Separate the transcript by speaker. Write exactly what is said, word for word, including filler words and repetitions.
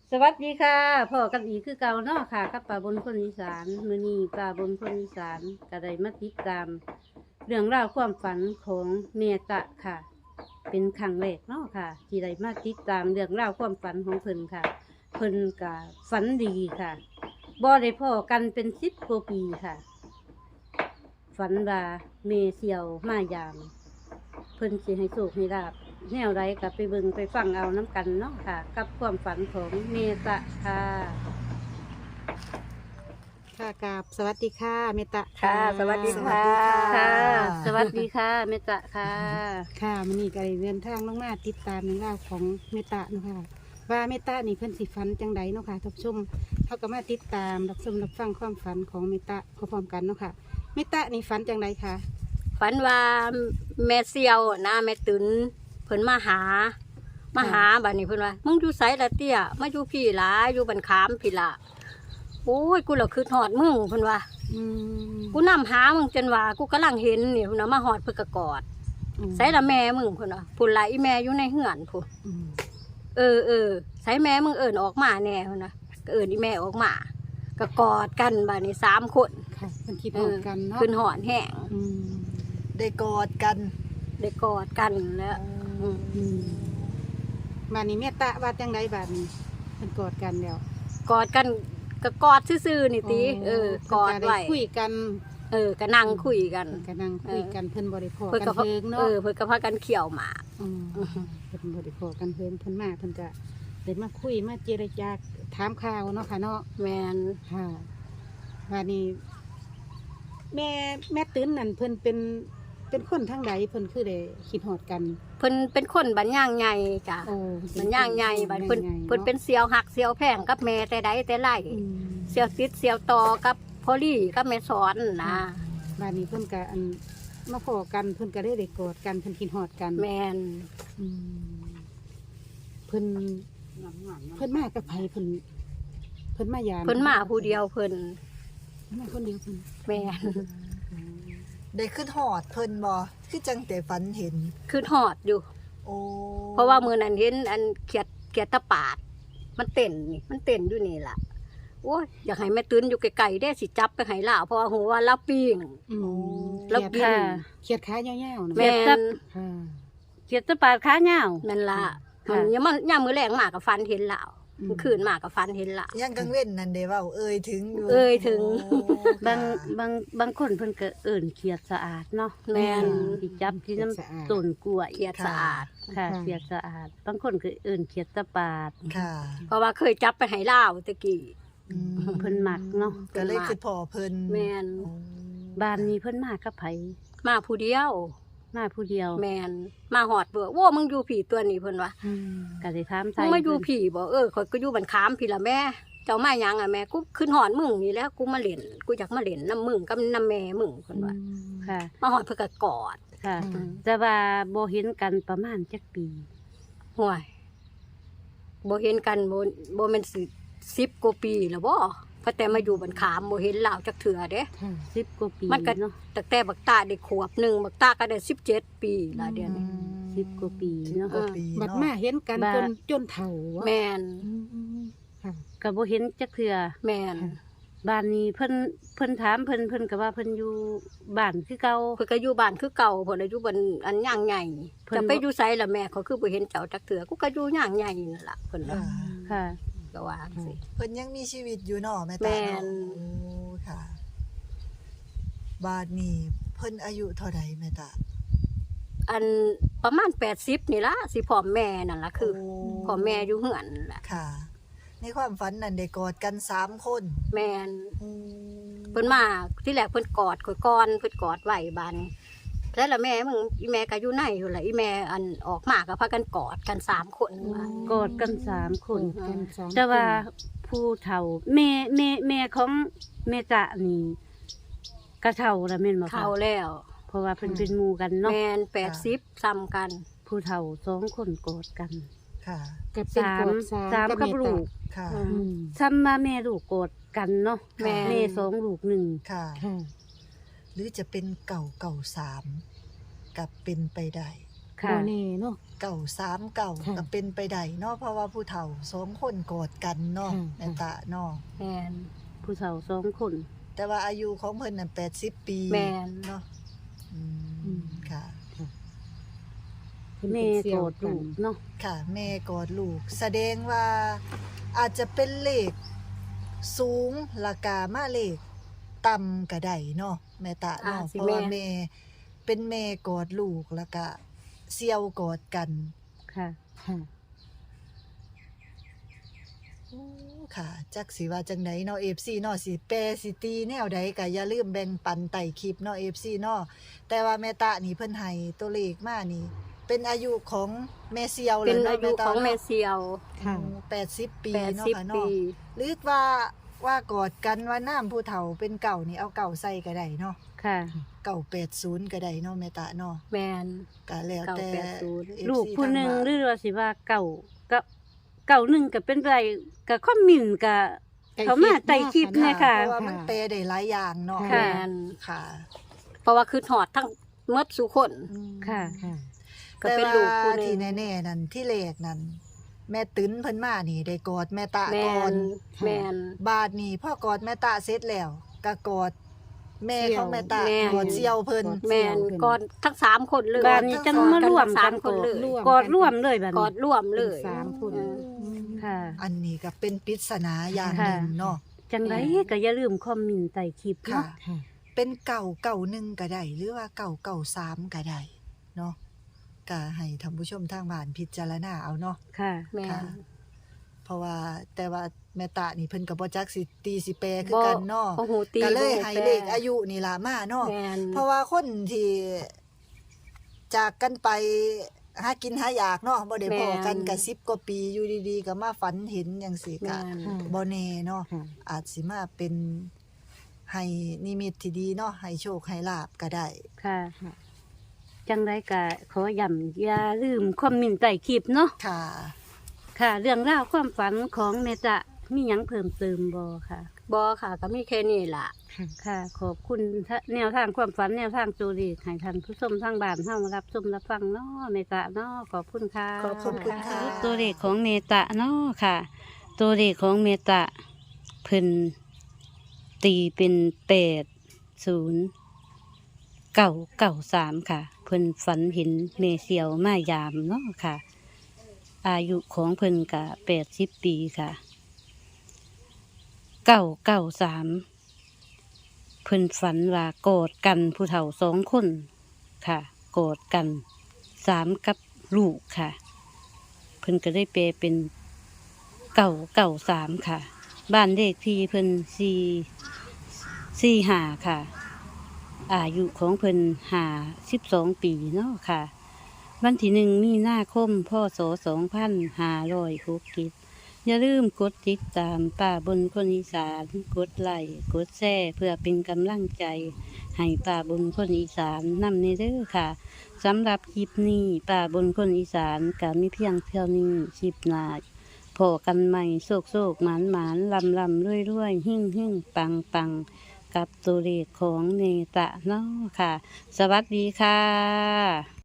Speaker 1: สวัสดีค่ะพ่อกับอีคือเก่าเนาะค่ะกับป่าบนคนอีสานมื้อนี้ป่าบนคนอีสานก็ได้มาติดตามเรื่องราวความฝันของเมตะค่ะ เป็นครั้งแรกเนาะค่ะที่ได้มาติดตามเรื่องราวความฝันของเพิ่นค่ะ เพิ่นก็ฝันดีค่ะบ่ได้พ้อกันเป็นสิบกว่าปีค่ะ ฝันว่าเมเสี่ยวมายาม เพิ่นสิให้โชคให้ลาภแนวใดก็ไปเบิ่งไปฟังเอาน้ำกันเนาะค่ะ กับความฝันของเมตะค่ะ
Speaker 2: ค่ะกราบสวัสดีค่ะเมตตา
Speaker 3: ค่ะสวัสดีค่ะ
Speaker 1: ค่ะ สวัสดีค่ะเมตะค่ะ
Speaker 2: ค่ะมันนี่ก็ได้เดินทางลงมาติดตามในเรื่องราวของเมตตาเนาะค่ะว่าเมตตานี่เพิ่นสิฝันจังใดเนาะค่ะท่านผู้ชมเขาก็มาติดตามรับชมรับฟังความฝันของเมตตาพร้อมๆกันเนาะค่ะเมตตานี่ฝันจังใดคะ
Speaker 3: ฝันว่าแม่เซียวนะแม่ตุนเพิ่นมาหา มาหาบัดนี้เพิ่นว่ามึงอยู่ไสละเตี้ยมาอยู่พี่หลาอยู่บันขามพี่ละโอ้ยกูเหล่าคือหอดมึงเพิ่นว่า
Speaker 2: อืม
Speaker 3: กูนำหามึงจนว่ากูกำลังเห็นนี่เพิ่นว่ามาหอดเพิ่นก็กอดไสละแม่มึงเพิ่นว่าพุ่นละอีแม่อยู่ในเฮือนพุ่น
Speaker 2: อืม
Speaker 3: เออเออไสแม่มึงเอิ้นออกมาแน่เพิ่นว่าก็เอิ้นอีแม่ออกมาก็กอดกันบัดนี้สามคน
Speaker 2: ค่ะเพิ่นคิดพร้อมกันเนาะ
Speaker 3: ขึ้นหอดแห้ง
Speaker 2: อืม
Speaker 4: ได้กอดกัน
Speaker 3: ได้กอดกันแล้วอืม
Speaker 2: อืมบัดนี้เมตตาว่าจังใดบัดนี้เพิ่นกอดกันแล้ว
Speaker 3: กอดกันก็กอดซื่อๆนี่ติเออกอดไว้
Speaker 2: เพิ่นก็คุยกัน
Speaker 3: เออก็นั่งคุยกัน
Speaker 2: เพิ่นก็นั่งคุยกันเพิ่นบ่ได้พอ
Speaker 3: เพิ่น
Speaker 2: กั
Speaker 3: ก็
Speaker 2: น
Speaker 3: พา
Speaker 2: เพิง
Speaker 3: เอ
Speaker 2: เนาะ
Speaker 3: อเพิ่นก็พากันเขี่ยวหมาก
Speaker 2: อืมเพิ่นบ่ได้พอกันเพิ่นเพิ่นมาเพิ่นก็ได้มาคุยมาเจรจาถามข่าวเนาะค่ะเนาะ
Speaker 3: แมน
Speaker 2: ค่ะวันนี้ แม่แม่ตื้นนั่นเพิ่นเป็นเป็นคนทางใดเพิ่นคือได้คิดฮอดกัน
Speaker 3: เพิ่นเป็นคนบันย่างใหญ่จ้ะ
Speaker 2: โอ้
Speaker 3: บันย่างใหญ่บัดเพิ่น
Speaker 2: ย่างใหญ่
Speaker 3: เพิ่นเป็นเสียวหักเสียวแพงกับแม่แต่ใดแต่ไร
Speaker 2: อืม
Speaker 3: เสียวติดเสียวต่อกับพอลี่กับแม่สอนนะ
Speaker 2: วันนี้เพิ่นก็อันมาพอกันเพิ่นก็ได้ได้กอดกันเพิ่นคิดฮอดกัน
Speaker 3: แมน
Speaker 2: อืมเพิ่นเพิ่นมากับไผเพิ่นเพิ่นมายาม
Speaker 3: เพิ่นมาผู้เดียวเพิ่น
Speaker 2: เพิ่นมาคนเดียวเพิ่น
Speaker 3: แมน
Speaker 4: ได้ขึ้นหอดเพิ่นบ่คือจังแต่ฝันเห็น
Speaker 3: คือหอดอยู่
Speaker 4: โอ้
Speaker 3: เพราะว่ามือนั้นเห็นอันเขียดเขียดตะปาด มันเต้นนี่มันเต้นอยู่นี่ล่ะโอ้ยอยากให้แม่ตื้นอยู่ไกลๆได้สิจับไปให้ล่าเพราะว่าหัวว่าลาปิ้ง
Speaker 2: อืม
Speaker 3: แล้ว
Speaker 2: เขียด
Speaker 3: กิน
Speaker 2: เขียดขายาวๆนะ
Speaker 3: แม่น
Speaker 2: ค่ะ
Speaker 1: เกียรติปาดขาเหงา
Speaker 3: นั่นล่ะ
Speaker 1: ค่ะ
Speaker 3: มันยังมาย่ามมือแรงมากกับฟันเห็นล่าว
Speaker 2: อืม
Speaker 3: มันคืนมากกับฟันเห็นล่าว
Speaker 4: ยังกังเว้นนั่นเด้เว้าเอ่ยถึงอยู่
Speaker 3: เอ่ยถึง
Speaker 4: โอ้
Speaker 1: บาง
Speaker 4: ค่ะ
Speaker 1: บางบางคนเพิ่นก็เอิ่นเขียดสะอาดเนาะ
Speaker 3: แม่น
Speaker 1: ที่จับที่น้
Speaker 2: เขียดสะอาด
Speaker 1: ำต้นกล้วย
Speaker 3: เขียดสะอาด
Speaker 1: ค่ะ
Speaker 2: ค่ะ
Speaker 1: เขียดสะอาด บางคนก็เอิ่นเขียดตะปาด
Speaker 4: ค่ะ
Speaker 3: เพราะว่าเคยจับไปให้ล่าวตะกี้
Speaker 4: อืม
Speaker 1: เพิ่นมักเนาะ
Speaker 4: ก็เลยคือพ่อเพิ่น
Speaker 3: แมน
Speaker 4: โอ้
Speaker 1: บ้านนี้เพิ่นมากับไผ
Speaker 3: มาผู้เดียว
Speaker 1: มาผู้เดียว
Speaker 3: แมนมาหอดเบื่อโว้มึงอยู่ผีตัวนี้เพิ่นวะ
Speaker 2: อืม
Speaker 1: ก็ได้ถามไท
Speaker 3: มึง
Speaker 1: ย
Speaker 3: มาอยู่
Speaker 1: เพิ่น
Speaker 3: ผีบอกเออข่อยก็อยู่บันขามพี่ละแม่ เจ้ามาหยังอ่ะแม่กูขึ้นหอดมึงนี่แหล้วกูมาเล่นกูอยากมาเล่นน้ำมึงกับน้ำแม่มึงเพิ่นว่า
Speaker 1: ค่ะ
Speaker 3: มาหอดเพิ่นก็กอด
Speaker 1: ค่ะ
Speaker 2: อืม
Speaker 1: แต่ว่าบ่เห็นกันประมาณจักปี
Speaker 3: ห่วยบ่เห็นกันบ่บ่แม่นสิสิบกว่าปีแล้วบ่เพราะแต่มาอยู่บันขามบ่เห็นลาวจักเถื่อเด้
Speaker 2: ค่ะ
Speaker 1: สิบกว่าปี
Speaker 3: มันก็
Speaker 1: เนาะ
Speaker 3: ตั้งแต่บักตาได้ขวบหนึ่งบักตาก็ได้สิบเจ็ดปีละเดือนนี้
Speaker 1: สิบกว่าปีเนาะ
Speaker 4: กว่าปี
Speaker 2: บัด
Speaker 4: เนาะ
Speaker 2: มาเห็นกัน
Speaker 1: บัด
Speaker 2: จนจนเฒ่าวะ
Speaker 3: แมน
Speaker 2: อืมค่ะ
Speaker 1: ก็บ่เห็นจักเทื่อ
Speaker 3: แมน
Speaker 1: บ้านนี้เพิ่นเพิ่นถามเพิ่นเพิ่นก็ว่าเพิ่นอยู่บ้านคือเก่า
Speaker 3: เพิ่นก็อยู่บ้านคือเก่าเพิ่นอายุบ้านอันย่างใหญ่
Speaker 1: เพิ่น
Speaker 3: จะไปอยู่ไสล่ะแม่เขาคือบ่เห็นเจ้าจักเถื่อกูก็อยู่ย่างใหญ่นั่นล่ะเพิ่น
Speaker 4: ค่ะ
Speaker 3: ว่า
Speaker 1: ค่ะ
Speaker 3: ก็ว่าสิ
Speaker 4: เพิ่นยังมีชีวิตอยู่เนาะแม่
Speaker 3: แม่
Speaker 4: ตาน เนาะโอ้ค่ะ บาดนี้เพิ่นอายุเท่าใดแม่ตา
Speaker 3: อันประมาณแปดสิบนี่ล่ะสิพ่อแม่นั่นล่ะคือ
Speaker 4: โ
Speaker 3: พ่อแม่อยู่เฮือนนั่นล่ะ
Speaker 4: ค่ะ ในความฝันนั่นได้กอดกันสามคน
Speaker 3: แม่น
Speaker 4: อืม
Speaker 3: เพิ่นมาที่แรกเพิ่นกอดข่อยก่อนเพิ่นกอดไว้บานแล้วล่ะแม่มึงอีแม่ก็อยู่ในอยู่ล่ะอีแม่อันออกมาก็พากันกอดกันสามคนว่าก
Speaker 1: อดกันสามคน
Speaker 2: กันสอง
Speaker 1: แต่ว่าผู้เฒ่าแม่แม่แม่ของแม่จะนี่กระเฒ่าแล้วแม่นบ่คะ
Speaker 3: เฒ่าแล้ว
Speaker 1: เพราะว่าเพิ่นเป็นหมู่กันเนาะ
Speaker 3: แม่นแปดสิบซ้ำกัน
Speaker 1: ผู้เฒ่าสองคนกอดกัน
Speaker 4: ค่ะ
Speaker 2: กับเป็น
Speaker 1: สาม
Speaker 2: กอดสาม
Speaker 1: สามกับ
Speaker 2: เต
Speaker 1: ลูก
Speaker 4: ค่ะ
Speaker 2: อืม
Speaker 1: ซ้ำมาแม่ลูกกอดกันเนาะ
Speaker 3: แม่
Speaker 1: แม่สองลูกหนึ่ง
Speaker 4: ค่ะ
Speaker 2: ค่ะ
Speaker 4: หรือจะเป็นเก่าเก่าสามกับเป็นไปได้
Speaker 1: ค่ะ
Speaker 2: บ่แน่เนาะ
Speaker 4: เก่าสามเก่า
Speaker 2: ค่ะ
Speaker 4: ก็เป็นไปได้เนาะเพราะว่าผู้เฒ่าสองคนกอดกันเนาะ
Speaker 2: ค่ะ
Speaker 4: แม่ตาเนาะ
Speaker 3: แม่น
Speaker 1: ผู้เฒ่าสองคน
Speaker 4: แต่ว่าอายุของเพิ่นน่ะแปดสิบปี
Speaker 3: แม่น
Speaker 4: เนาะอื
Speaker 2: อื
Speaker 4: ม
Speaker 2: ม
Speaker 4: ค่ะ
Speaker 2: เพิ่น
Speaker 1: แม่
Speaker 2: เป็นเสี่
Speaker 1: โก
Speaker 2: ยว
Speaker 1: รธลูกเนาะ
Speaker 4: ค่ะ แม่กอดลูก แสดงว่าอาจจะเป็นเลขสูงราคามาเลขต่ำก็ได้เนาะแม่ตาเนาะ
Speaker 3: อาจสิ
Speaker 4: เพราะว่า
Speaker 3: แม่
Speaker 4: แม่เป็นแม่กอดลูกแล้วก็เสี่ยวกอดกัน
Speaker 1: ค่ะ
Speaker 2: ค่ะ
Speaker 4: โอ้ค่ะจักสิว่าจังไดเนาะ เอฟ ซี เนาะสิแปรสิตีแนวใดก็อย่าลืมแบ่งปันใต้คลิปเนาะ เอฟ ซี เนาะแต่ว่าแม่ตานี่เพิ่นให้ตัวเลขมานี่ เป็นอายุของแม่เซียว
Speaker 3: เป็น
Speaker 4: แล้ว
Speaker 3: อา
Speaker 4: เนาะ
Speaker 3: ยุ
Speaker 4: แม่ตา
Speaker 3: ของแม่
Speaker 4: เนาะ
Speaker 3: เซียว
Speaker 2: ค่ะ
Speaker 4: แปดสิบปี
Speaker 3: แปด
Speaker 4: เนาะ
Speaker 3: สิบ
Speaker 4: ค่ะ
Speaker 3: ปี
Speaker 4: เนาะหรือว่าว่ากอดกันว่าน้ำผู้เฒ่าเป็นเก่านี่เอาเก่าใส่ก็ได้เนาะ
Speaker 1: ค่ะ
Speaker 4: เก่าแปดสิบก็ได้เนาะแม่ตาเนาะ
Speaker 3: แม่น
Speaker 4: ก็แล้วแต่
Speaker 3: เก่าแปดสิบ
Speaker 4: เอฟซี
Speaker 1: ลูกผู้หนึ่ง
Speaker 4: ทา
Speaker 1: ห
Speaker 4: บ้า
Speaker 1: รือว่าสิว่าเก่าก็เก่าหนึ่งก็เป็นไรก็คอมเมินต์ก็เขามาไต่คลิปเนะ
Speaker 4: ค่ะ
Speaker 1: ค่ะ
Speaker 4: เพราะว่ามันแปลได้หลายอย่างเนาะ
Speaker 1: ค่ะ
Speaker 3: แม่น
Speaker 4: ค่ะ
Speaker 3: เพราะว่าคือถอดทั้งหมดสุคน
Speaker 4: อืม
Speaker 1: ค่ะ
Speaker 2: ค่ะ
Speaker 3: ก็เป็นลูกผู้หนึ่ง
Speaker 4: แต่ว่าที่แน่ๆนั่นที่เลขนั่นแม่ตื้นเพิ่นมานี่ได้กอดแม่ตา
Speaker 3: แม่
Speaker 4: ก่อน
Speaker 3: นแม่น
Speaker 4: บาดนี่พ่อกอดแม่ตาเสร็จแล้วก็กอดแม่
Speaker 2: เสี่ยว
Speaker 4: ของแม่ตา
Speaker 3: แม่
Speaker 4: กอดเสี่ยวเพิ่น
Speaker 2: กอด
Speaker 3: แม่นกอดทั้งสามคนเลย
Speaker 1: บ้านนี้จังมาร่วม
Speaker 3: สา
Speaker 1: กั
Speaker 3: ม
Speaker 1: น
Speaker 3: คนเลย
Speaker 2: ร่วม
Speaker 1: กอดร่วมเลยบัด
Speaker 3: กอ
Speaker 1: นี้
Speaker 3: ดร่วมเลย
Speaker 2: เป็นสามคน
Speaker 3: เออ
Speaker 1: ค่ะ
Speaker 4: อันนี้ก็เป็นปริศนาอย่างห
Speaker 1: ค่ะ
Speaker 4: นึ่งเนาะ
Speaker 1: จังไรก็อย่าลืมคอมเมินต์ใต้คลิป
Speaker 4: ค่ะ
Speaker 1: เนาะ
Speaker 2: ค่ะ
Speaker 4: เป็นเก่าเก่าหนึ่งก็ได้หรือว่าเก่าเก่าสามก็ได้เนาะก็ให้ท่านผู้ชมทางบ้านพิจารณาเอาเนาะ
Speaker 1: ค่ะ
Speaker 3: แม่
Speaker 4: ค่ะ
Speaker 3: น
Speaker 4: เพราะว่าแต่ว่าแม่ตานี่เพิ่นก็บ่จักสิตีสิแปลคือกันเนาะ
Speaker 3: บ่ฮู้ตี
Speaker 4: ก็เลย
Speaker 3: บ่ฮู้
Speaker 4: ให้
Speaker 3: แป
Speaker 4: เลขอายุนี่ล่ะมาเนาะ
Speaker 3: แม่น
Speaker 4: เพราะว่าคนที่จากกันไปหากินหาอยากเนาะบ่ได้พอกันก็สิบกว่าปีอยู่ดีๆก็มาฝันเห็นจังซี่ก็
Speaker 3: แม่น
Speaker 2: ค่ะ
Speaker 4: บ่แน่เนาะ
Speaker 2: ค่ะ
Speaker 4: อาจสิมาเป็นให้นิมิตที่ดีเนาะให้โชคให้ลาบก็ได้
Speaker 1: ค่ะ
Speaker 2: ค่ะ
Speaker 1: จังไรก็ขอย้ำอย่าลืมคอมเมินต์ใต้คลิปเนาะ
Speaker 4: ค่ะ
Speaker 1: ค่ะ เรื่องราวความฝันของเมจะมีหยังเพิ่มเติมบ่ค่ะ
Speaker 3: บ่ค่ะก็มีแค่นี้ล่ะ
Speaker 2: ค่ะ
Speaker 1: ค่ะ ขอบคุณทะแนวทางความฝันแนวทางโจดีให้ท่านผู้ชมทางบ้านเฮารับชมรับฟังเนาะเมตะเนาะขอบคุณค่ะ
Speaker 3: ขอบคุณค่ะ
Speaker 1: ตัวเลขของเมตะเนาะค่ะ ตัวเลขของเมตะเพิ่นตีเป็นแปดศูนย์เก้าเก้าสามค่ะ เพิ่นฝันเห็นเมเซียวมายามเนาะค่ะ อายุของเพิ่นกะแปดสิบปีค่ะเก้าเก้าสามเพิ่นฝันว่ากอดกันผู้เฒ่าสองคนค่ะกอดกันสามกับลูกค่ะ เพิ่นก็ได้แปลเป็นเก้าเก้าสามค่ะ บ้านเลขที่เพิ่นสี่สี่ห้าค่ะ อายุของเพิ่นห้าสิบสองปีเนาะค่ะ วันที่หนึ่งมีนาคมพศสองพันห้าร้อยหกสิบอย่าลืมกดติดตามป่าบนคนอีสานกดไลค์กดแชร์เพื่อเป็นกำลังใจ ให้ป่าบนคนอีสานนำในเด้อค่ะสำหรับคลิปนี้ป่าบนคนอีสานก็มีเพียงเท่านี้คลิปหน้าพอกันใหม่โศกโศกหมานหมานลำลำรวยรวยหิ่งหิ่งปังปังกับตัวเลขของเนตะเนาะค่ะ สวัสดีค่ะ